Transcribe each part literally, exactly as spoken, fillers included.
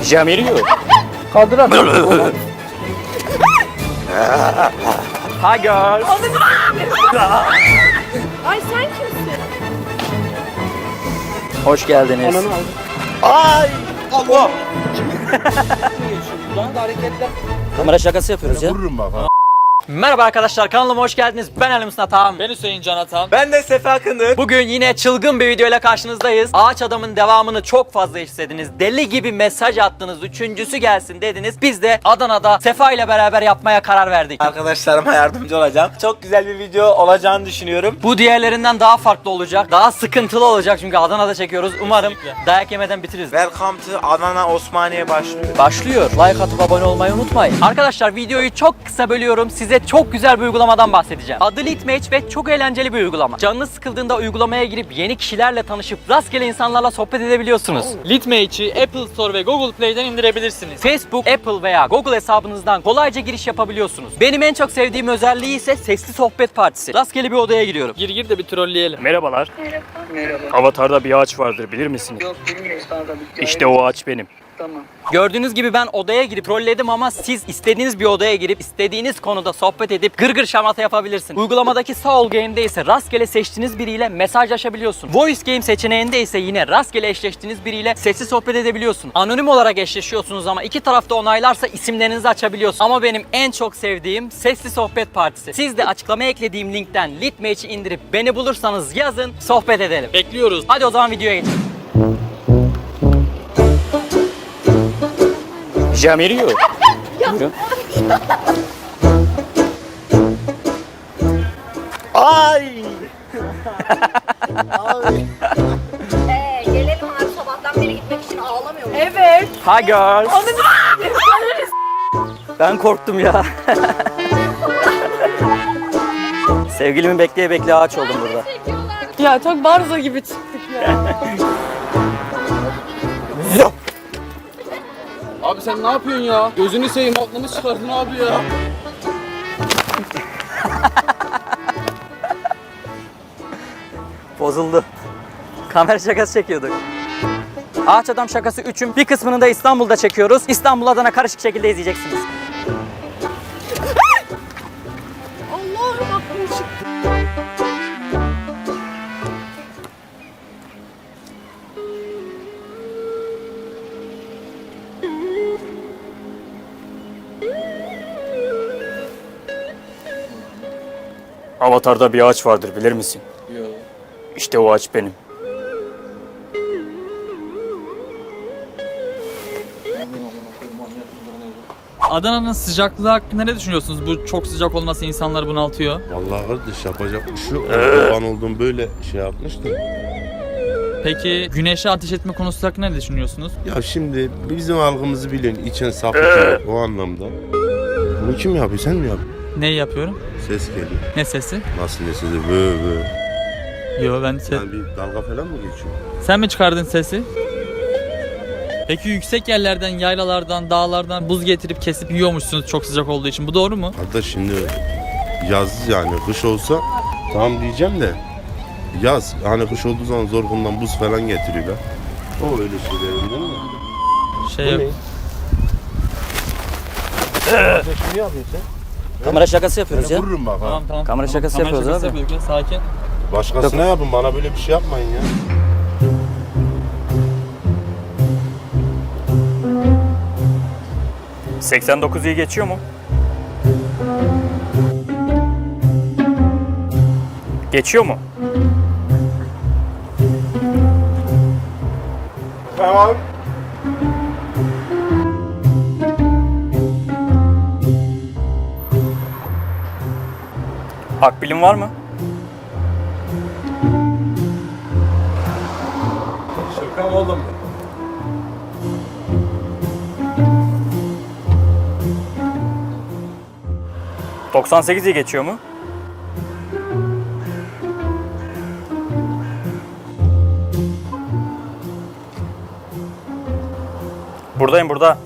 Jamiriyor. Kaldırak. Hi girls. Ay sen kimsin? Hoş geldiniz. Ananı aldım. Ay! Allah! Buradan da hareketler. Kamera şakası yapıyoruz ya. Vururum bak ha. Merhaba arkadaşlar, kanalıma hoş geldiniz. Ben Ali Mustafa Tam. Ben Hüseyin Can Atan. Ben de Sefa Kınır. Bugün yine çılgın bir videoyla karşınızdayız. Ağaç Adam'ın devamını çok fazla istediniz. Deli gibi mesaj attınız. Üçüncüsü gelsin dediniz. Biz de Adana'da Sefa ile beraber yapmaya karar verdik. Arkadaşlarıma yardımcı olacağım. Çok güzel bir video olacağını düşünüyorum. Bu diğerlerinden daha farklı olacak. Daha sıkıntılı olacak çünkü Adana'da çekiyoruz. Umarım Kesinlikle. dayak yemeden bitiririz. Welcome to Adana Osmaniye başlıyor. Başlıyor. Like atıp abone olmayı unutmayın. Arkadaşlar videoyu çok kısa bölüyorum. Size çok güzel bir uygulamadan bahsedeceğim. Adı Litmatch ve çok eğlenceli bir uygulama. Canınız sıkıldığında uygulamaya girip yeni kişilerle tanışıp rastgele insanlarla sohbet edebiliyorsunuz. Litmatch'i Apple Store ve Google Play'den indirebilirsiniz. Facebook, Apple veya Google hesabınızdan kolayca giriş yapabiliyorsunuz. Benim en çok sevdiğim özelliği ise sesli sohbet partisi. Rastgele bir odaya giriyorum. Gir gir de bir trolleyelim. Merhabalar. Merhaba. Avatar'da bir ağaç vardır, bilir misiniz? Yok bilmiyoruz kanka. Bir İşte o ağaç benim. Tamam. Gördüğünüz gibi ben odaya girip trolledim ama siz istediğiniz bir odaya girip istediğiniz konuda sohbet edip gırgır şamata yapabilirsiniz. Uygulamadaki Soul Game'de ise rastgele seçtiğiniz biriyle mesajlaşabiliyorsun. Voice Game seçeneğinde ise yine rastgele eşleştiğiniz biriyle sesli sohbet edebiliyorsun. Anonim olarak eşleşiyorsunuz ama iki tarafta onaylarsa isimlerinizi açabiliyorsun. Ama benim en çok sevdiğim sesli sohbet partisi. Siz de açıklamaya eklediğim linkten Litmatch'i indirip beni bulursanız yazın, sohbet edelim. Bekliyoruz. Hadi o zaman videoya geçelim. Jamiriyor. Buyurun. Ay! Ee, gelelim abi sabahtan beri gitmek için ağlamıyor musun? Evet. Hi girls. Ben korktum ya. Sevgilimi bekleye bekleye ağaç oldum burada. Ya çok barzo gibi çıktık ya. Abi sen ne yapıyorsun ya? Gözünü seveyim, aklımı çıkardın abi ya. Bozuldu. Kamera şakası çekiyorduk. Ağaç Adam şakası üçün bir kısmını da İstanbul'da çekiyoruz. İstanbul Adana karışık şekilde izleyeceksiniz. Allah'ım aklım çıktı. Avatar'da bir ağaç vardır, bilir misin? Yok. İşte o ağaç benim. Adana'nın sıcaklığı hakkında ne düşünüyorsunuz? Bu çok sıcak olması insanları bunaltıyor. Vallahi kardeş yapacak bir şey yok. Doğan olduğum böyle şey yapmıştım. Peki güneşe ateş etme konusu hakkında ne düşünüyorsunuz? Ya şimdi bizim algımızı biliyorsun. İçen sapıtıyor o anlamda. Bunu kim yapıyor? Sen mi yapıyorsun? Neyi yapıyorum? Ses geliyor. Ne sesi? Nasıl ne sesi? Vö vö. Yo ben se- Yani bir dalga falan mı geçiyor? Sen mi çıkardın sesi? Peki yüksek yerlerden, yaylalardan, dağlardan buz getirip kesip yiyormuşsunuz çok sıcak olduğu için. Bu doğru mu? Hatta şimdi yaz yani kış olsa tamam diyeceğim de yaz hani kış olduğu zaman zorkundan buz falan getiriyorlar. O öyle şeyler değil mi? Şey Bu yok. ne? Şimdi yapıyorsun Kamera şakası yapıyoruz sen. ya. Vururum bak ha. Tamam tamam. Kamera Tamam, şakası kamera yapıyoruz şakası abi. yapıyoruz ya, sakin. Başkasına yapın bana böyle bir şey yapmayın ya. seksen dokuz iyi geçiyor mu? Geçiyor mu? Tamam. Akbilin var mı? Şaka oğlum. doksan sekiz iyi geçiyor mu? Buradayım burada.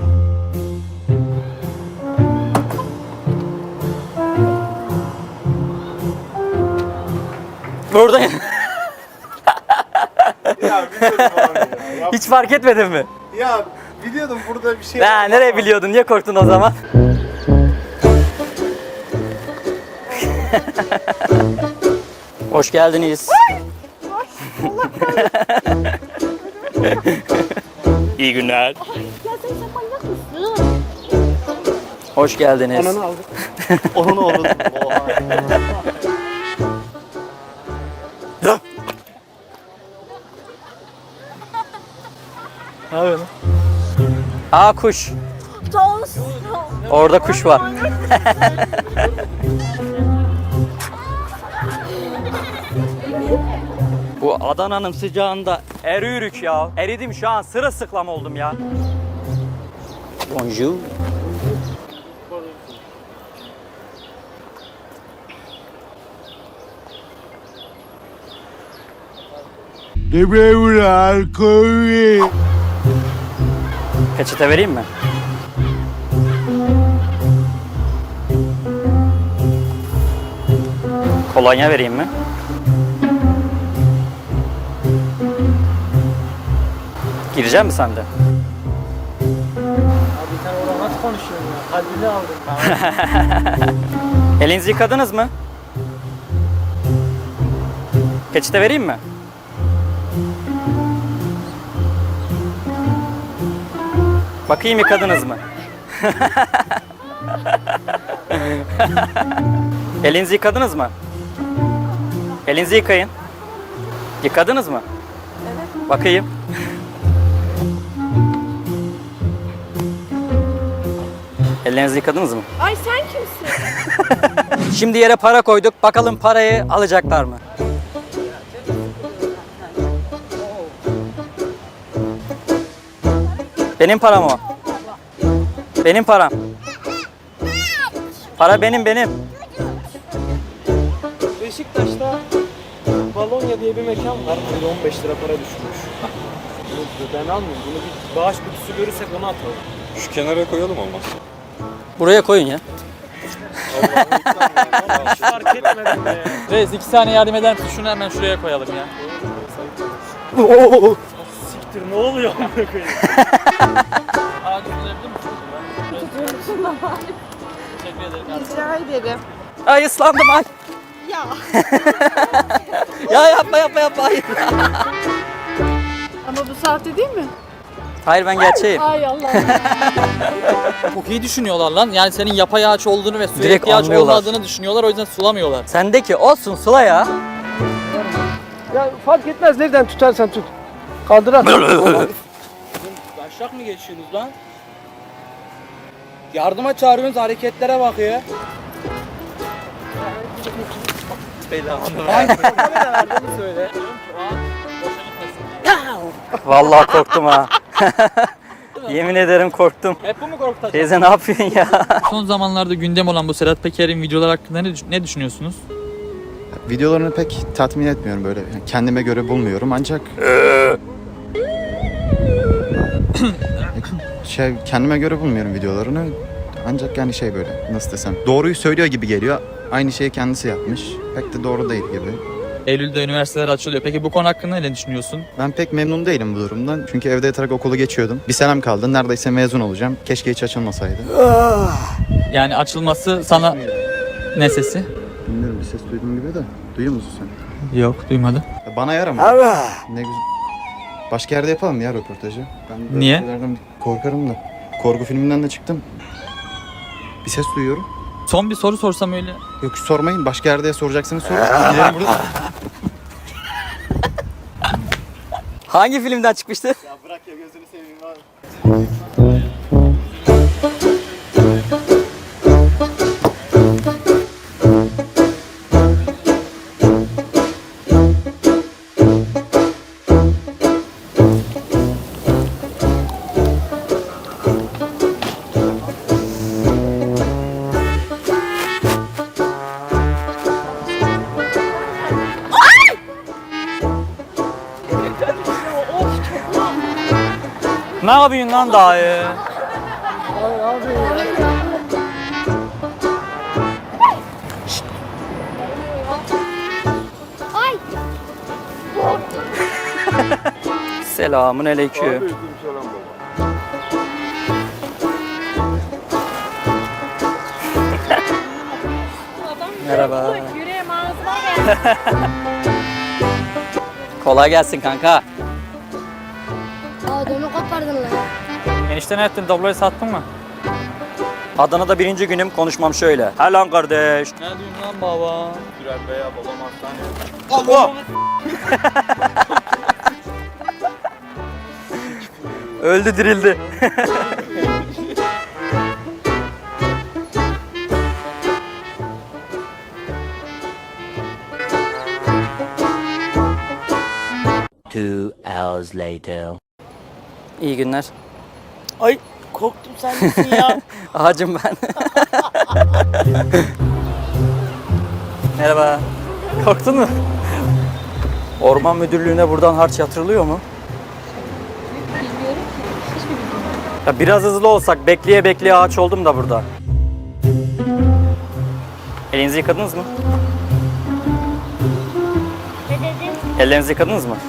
Buradayım. Ya biliyorum abi ya. Hiç fark etmedin mi? Ya Biliyordum burada bir şey Ya nereye biliyordun? Niye korktun o zaman? Hoş geldiniz. İyi günler. Ya sen sen manyak mısın? Hoş geldiniz. Ananı aldım. Onun oğlum. Ne yapıyorsun? Aa kuş. Toz. Orada kuş var. Bu Adana'nın sıcağında eriyoruz ya. Eridim şu an, sırılsıklam oldum ya. Bonjour. Peçete vereyim mi? Kolonya vereyim mi? Girecek misin sen de? Abi sen orada nasıl konuşuyorsun ya? Kalbini aldım. Elinizi yıkadınız mı? Peçete vereyim mi? Bakayım yıkadınız mı? Elinizi yıkadınız mı? Elinizi yıkayın. Yıkadınız mı? Evet. Bakayım. Ellerinizi yıkadınız mı? Ay sen kimsin? Şimdi yere para koyduk. Bakalım parayı alacaklar mı? Benim param o. Benim param. Para benim benim. Beşiktaş'ta Balonya diye bir mekan var. Burada on beş lira para düşmüş. Bunu ben almıyorum. Bunu bir bağış kutusu görürsek onu atalım. Şu kenara koyalım olmaz. Buraya koyun ya. Hiç fark etmedim ya. Reis iki saniye yardım eder misin? Şunu hemen şuraya koyalım ya. Siktir ne oluyor amına koyayım? Ağacı tutabilir misin? Teşekkür ederim. Rica ederim. Ay ıslandım ay. Ya. Ya yapma yapma yapma hayır. Ama bu sahte değil mi? Hayır ben gerçeğim. Ay Allah. Çok iyi düşünüyorlar lan. Yani senin yapay ağaç olduğunu ve suya Direkt ihtiyaç anlıyorlar. olmadığını düşünüyorlar. O yüzden sulamıyorlar. Sendeki olsun Sıla ya. Ya fark etmez nereden tutarsan tut. Kaldır at. Başak mı geçiyorsunuz lan? Yardıma çağırıyorsunuz, hareketlere bak ya. Söyle. Vallahi korktum ha. Yemin ederim korktum. Hep bu mu korkutacak? Teyze ne yapıyorsun ya? Son zamanlarda gündem olan bu Sedat Peker'in videolar hakkında ne, düş- ne düşünüyorsunuz? Videolarını pek tatmin etmiyorum böyle. Yani kendime göre bulmuyorum ancak şey kendime göre bulmuyorum videolarını. Ancak yani şey böyle nasıl desem doğruyu söylüyor gibi geliyor. Aynı şeyi kendisi yapmış. Pek de doğru değil gibi. Eylül'de üniversiteler açılıyor. Peki bu konu hakkında ne düşünüyorsun? Ben pek memnun değilim bu durumdan. Çünkü evde yatarak okulu geçiyordum. Bir senem kaldı. Neredeyse mezun olacağım. Keşke hiç açılmasaydı. Yani açılması sana ne sesi? Bilmiyorum bir ses duydum gibi de. Duyuyor musun sen? Yok, duymadım. Ya bana yarama. Ne güzel. Başka yerde yapalım ya röportajı. Ben böyle Niye? şeylerden korkarım da. Korku filminden de çıktım. Bir ses duyuyorum. Son bir soru sorsam öyle. Yok sormayın. Başka yerde soracaksınız sorun. Gidelim burada. Hangi filmden çıkmıştı? Ya bırak ya gözünü seveyim abi. Ne yapıyorsun lan daha ya? Ay. Selamun aleyküm. Selam baba. Kolay gelsin kanka. Aa donu kopardın lan. Enişte ne ettin? Dobloyu sattın mı? Adana'da birinci günüm, konuşmam şöyle. He lan kardeş. Ne diyorsun lan baba? Öldü dirildi. Two hours later. İyi günler. Ay korktum sen misin ya? Ağacım ben. Merhaba. Korktun mu? Orman Müdürlüğü'ne buradan harç yatırılıyor mu? Ya biraz hızlı olsak, bekleye bekleye ağaç oldum da burada. Elinizi yıkadınız mı? Ne dedin? Ellerinizi yıkadınız mı?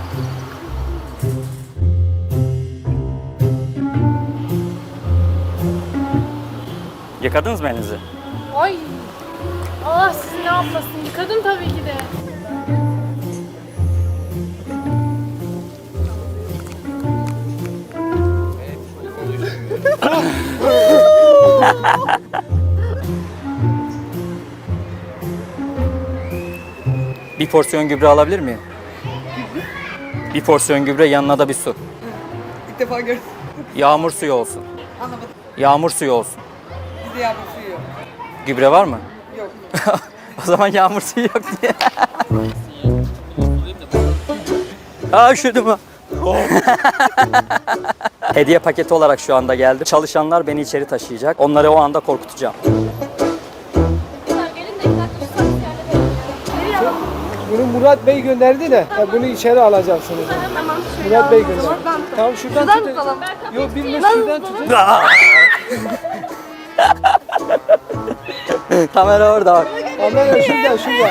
Yıkadınız mı elinizi? Ay. Allah sizi ne yapmasın. Yıkadım tabii ki de. Bir porsiyon gübre alabilir miyim? Bir porsiyon gübre, yanına da bir su. İlk defa gördüm. Yağmur suyu olsun. Anlamadım. Yağmur suyu olsun. Bizde yağmur suyu yok. Gübre var mı? Yok. O zaman yağmur suyu yok diye. Aa üşüdüm ha. Hediye paketi olarak şu anda geldi. Çalışanlar beni içeri taşıyacak. Onları o anda korkutacağım. Bunu Murat Bey gönderdi de ya bunu içeri alacaksınız. Murat Bey gönderdi. Tamam şuradan, şuradan tutun. Tutalım. Yok bilmem şuradan tutun. Kamera orada bak. Aman şuradan şuradan.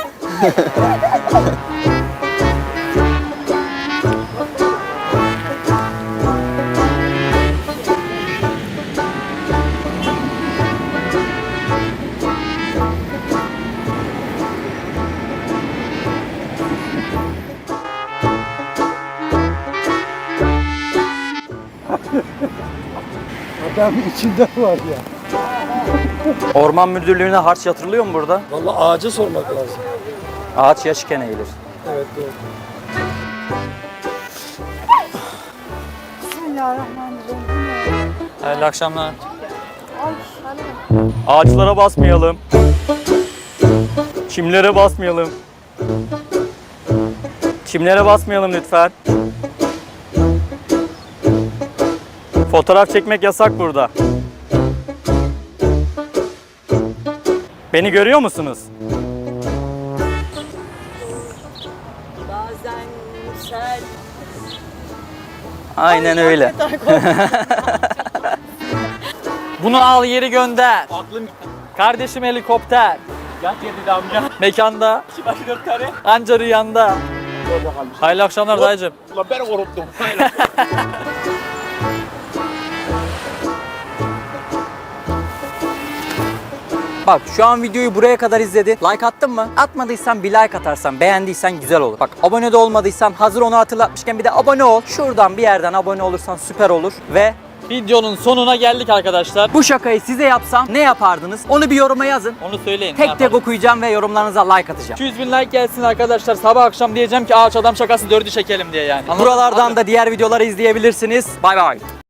Adamın içinde var ya. Orman Müdürlüğü'ne harç yatırılıyor mu burada? Vallahi ağaca sormak lazım. Ağaç yaşken eğilir. Evet doğru. Hayırlı akşamlar. Ağaçlara basmayalım. Çimlere basmayalım. Çimlere basmayalım lütfen. Fotoğraf çekmek yasak burada. Beni görüyor musunuz? Bazen sen Aynen öyle. Bunu al yeri gönder. Kardeşim helikopter. yat yedi amca. Mekanda. Anca rüyanda. Hayırlı akşamlar dayıcım. Ulan ben korktum. Bak şu an videoyu buraya kadar izledi. Like attın mı? Atmadıysan bir like atarsan, beğendiysen güzel olur. Bak abone de olmadıysan hazır onu hatırlatmışken bir de abone ol. Şuradan bir yerden abone olursan süper olur. Ve Videonun sonuna geldik arkadaşlar. bu şakayı size yapsam ne yapardınız? Onu bir yoruma yazın. Onu söyleyin. ne Tek tek yapalım? okuyacağım ve yorumlarınıza like atacağım. iki yüz bin like gelsin arkadaşlar. Sabah akşam diyeceğim ki ağaç adam şakası dördü çekelim diye yani. Anladın mı? Buralardan da diğer videoları izleyebilirsiniz. Bay bay.